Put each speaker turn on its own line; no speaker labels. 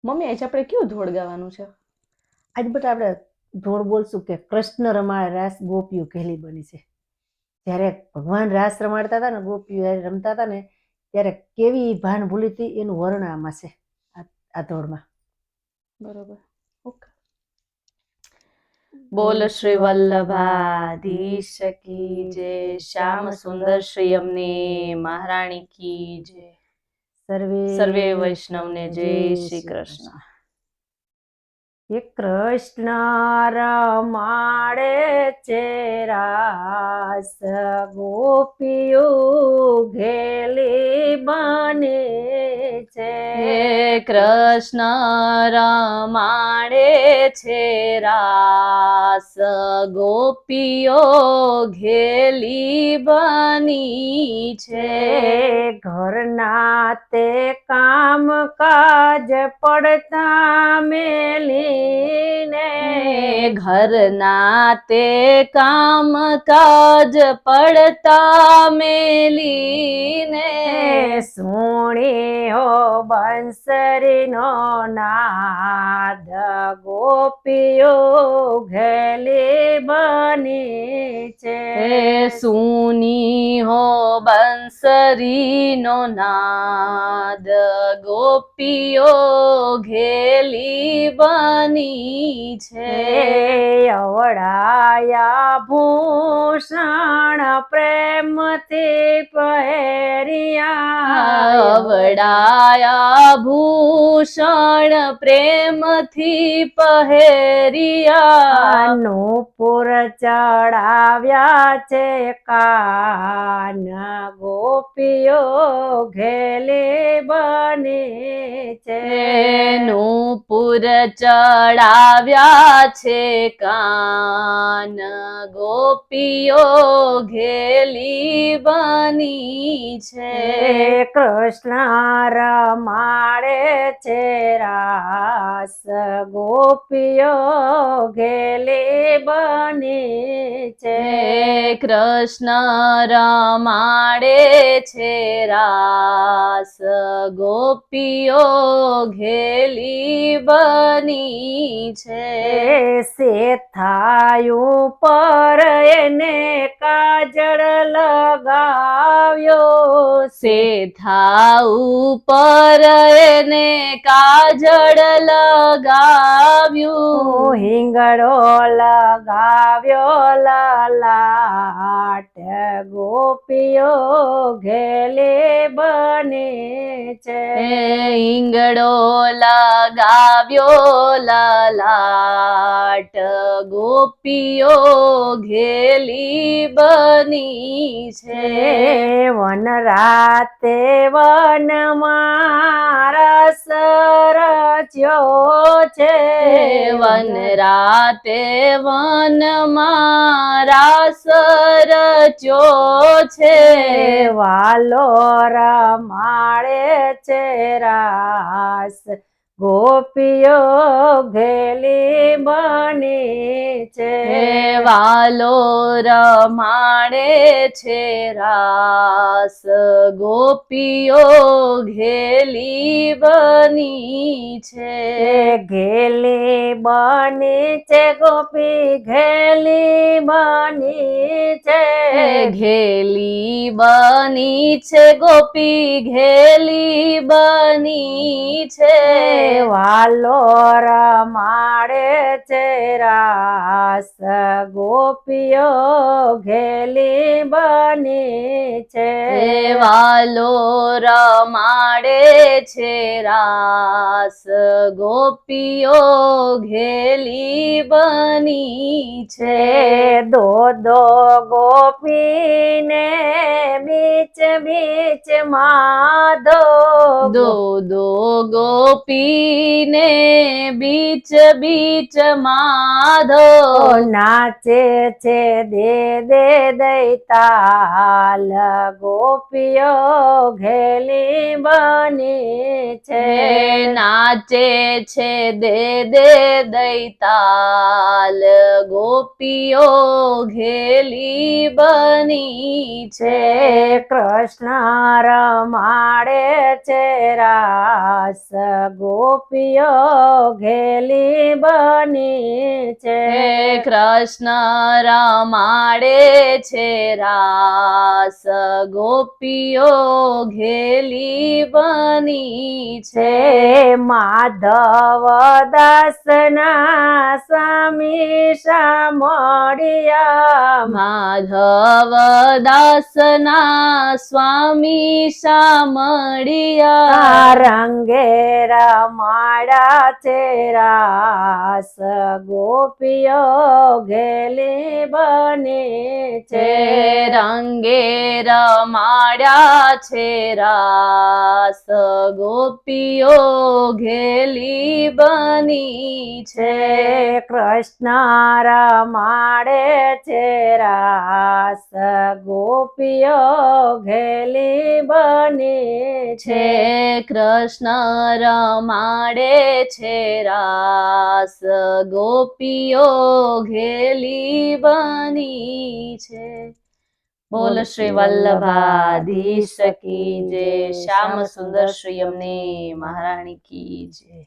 Mummy આજે આપણે કયું ધોળ ગાવાનું છે?
આજ બેટા આપણે ધોળ બોલશું કે કૃષ્ણ રમાડે રાસ ગોપીઓ ઘેલી બની છે. જ્યારે ભગવાન રાસ રમાડતા હતા ને ગોપીઓ રમતા હતા ને ત્યારે કેવી ભાન ભૂલી હતી એનું વર્ણન આમાં છે આ ધોળમાં.
બરોબર, ઓકે. બોલ શ્રી વલ્લભાધીશ કી જય, શ્યામ સુંદર શ્રી અમને મહારાણી કી જય, સર્વે વૈષ્ણવને જય શ્રી કૃષ્ણ.
હે કૃષ્ણ રમાડે છે રાસ ગોપીઓ ઘેલી બને છે.
હે કૃષ્ણ રમાડે છે રાસ ગોપીઓ ઘેલી બની છે.
ઘરના તે કામ કાજ પડતા મેલીને,
ઘરના તે કામ કાજ પડતા મેલીને,
સુણી હો બંસરીનો નાદ ગોપીઓ ઘેલી બની છે.
સુની હો બંસરીનો નાદ ગોપીઓ ઘેલી બની છે.
અવળાયા ભૂષણ પ્રેમથી પહેર્યા,
અવળાયા ભૂષણ પ્રેમથી પહેર્યા,
નૂપુર ચડાવ્યા છે કાન ગોપીઓ ઘેલી બની છે.
નૂપુર ચડાવ્યા છે કાન ગોપીઓ ઘેલી બની છે.
કૃષ્ણ રમાડે છે રાસ ગોપીઓ ઘેલી બની છે.
કૃષ્ણ રમાડે છે રાસ ગોપીઓ ઘેલી બની છે.
શેથાયું પર એને કાજળ લગાવ્યો,
શેથા ઉપર એને કાજળ લગાવ્યું,
હિંગળો લગાવ્યો લલાટ ગોપીઓ ઘેલી બની છે.
હિંગળો લગાવ્યો લલાટ ગોપીઓ ઘેલી બની છે.
વનરાતે વનમાં રસ રચ્યો છે,
વનરાતે વનમાં રાસ રચ્યો છે.
વાલો રમાડે છે રાસ ગોપીઓ ઘેલી બની છે.
વાલો રમાડે છે રાસ ગોપીઓ ઘેલી બની છે.
ઘેલી બની છે ગોપી ઘેલી બની છે.
ઘેલી બની છે ગોપી ઘેલી બની છે.
વાલો રમાડે છે રાસ ગોપીઓ ઘેલી બની છે.
વાલો રમાડે છે રાસ ગોપીઓ ઘેલી બની છે.
દો દો ગોપીને બીચ બીચ માધો,
દો ગોપીને બીચ બીચ માં માધવ
નાચે છે દે દે દૈતાલ ગોપીઓ ઘેલી બની છે
નાચે છે દે દે દૈતાલ ગોપીઓ ઘેલી બની છે
કૃષ્ણ રમાડે છે રાસ ગોપીઓ ઘેલી બની છે
કૃષ્ણ રમાડે છે રાસ ગોપીઓ ઘેલી બની છે
માધવ દાસના સ્વામી સામળિયા
માધવ દાસના સ્વામી સામળિયા
રંગે રમાડા છે રાસ ગોપીઓ ઘેલી બની છે
રંગે રમાડ્યા છે રાસ ગોપીઓ ઘેલી બની છે
કૃષ્ણ રમાડે છે રાસ ગોપીઓ ઘેલી બની
છે કૃષ્ણ રમાડે છે રાસ ગોપીઓ ઘેલી બની છે બોલ શ્રી વલ્લભાધીશ કી જય શ્યામ સુંદર શ્રી અમને મહારાણી કી જય